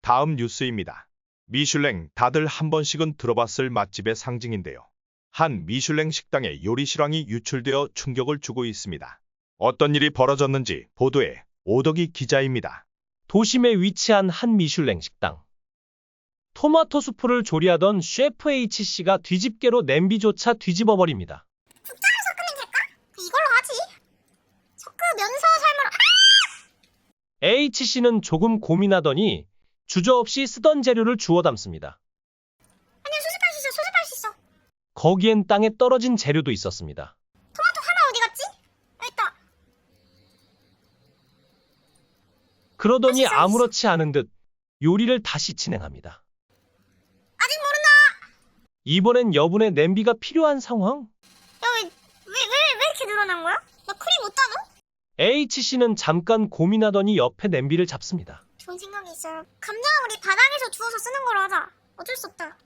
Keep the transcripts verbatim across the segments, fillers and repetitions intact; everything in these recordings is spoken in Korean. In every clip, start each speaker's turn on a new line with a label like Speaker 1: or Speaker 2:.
Speaker 1: 다음 뉴스입니다. 미슐랭, 다들 한 번씩은 들어봤을 맛집의 상징인데요. 한 미슐랭 식당의 요리 실황이 유출되어 충격을 주고 있습니다. 어떤 일이 벌어졌는지 보도에 오덕이 기자입니다.
Speaker 2: 도심에 위치한 한 미슐랭 식당. 토마토 수프를 조리하던 셰프 H씨가 뒤집개로 냄비조차 뒤집어버립니다.
Speaker 3: 국자를 섞으면 될까? 이걸로 하지. 섞으면서 삶으로.
Speaker 2: H씨는 조금 고민하더니 주저없이 쓰던 재료를 주워 담습니다.
Speaker 3: 아니야, 수습할 수 있어. 수습할 수 있어.
Speaker 2: 거기엔 땅에 떨어진 재료도 있었습니다.
Speaker 3: 토마토 하나 어디 갔지? 여기 있다.
Speaker 2: 그러더니 아무렇지 않은 듯 요리를 다시 진행합니다.
Speaker 3: 아직 모른다.
Speaker 2: 이번엔 여분의 냄비가 필요한 상황?
Speaker 3: 야, 왜, 왜, 왜, 왜 이렇게 늘어난 거야? 나 크림 못 따져?
Speaker 2: H씨는 잠깐 고민하더니 옆에 냄비를 잡습니다.
Speaker 3: 좋은 생각이 있어요. 감자는 우리 바닥에서 주워서 쓰는 걸로 하자. 어쩔 수 없다.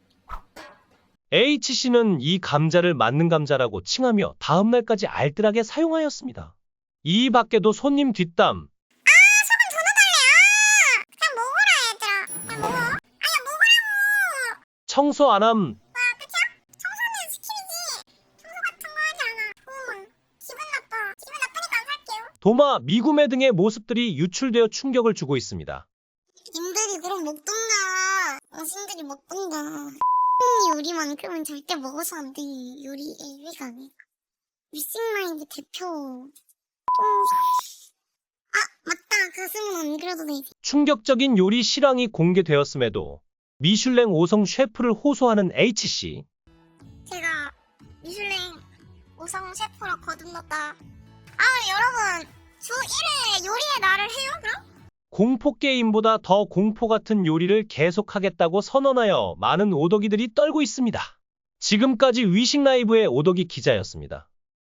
Speaker 2: H씨는 이 감자를 맞는 감자라고 칭하며 다음날까지 알뜰하게 사용하였습니다. 이 밖에도 손님 뒷담,
Speaker 3: 소금 더 넣어달래. 아, 그냥 먹어라, 얘들아. 그냥 먹어. 아야, 먹으라고.
Speaker 2: 청소 안함,
Speaker 3: 아, 그치야? 청소는 시키지. 청소 같은 거 하지 않아. 응. 기분 나빠. 기분 나쁘니까 안 살게요.
Speaker 2: 도마, 미구매 등의 모습들이 유출되어 충격을 주고 있습니다.
Speaker 3: 님들이 그럼 먹던가. 어신들이 먹던가. 요리만큼은 절대 먹어서 안 돼. 요리 에이비가 아니야. 뮤직마인드 대표. 똥. 아, 맞다. 가슴은 안 그려도 돼.
Speaker 2: 충격적인 요리 실황이 공개되었음에도 미슐랭 오 성 셰프를 호소하는 H씨.
Speaker 3: 제가 미슐랭 오 성 셰프로 거듭났다. 아, 여러분. 주 일 회 요리의 날을 해요, 그럼?
Speaker 2: 공포게임보다 더 공포 같은 요리를 계속하겠다고 선언하여 많은 오덕이들이 떨고 있습니다. 지금까지 위식 라이브의 오덕이 기자였습니다.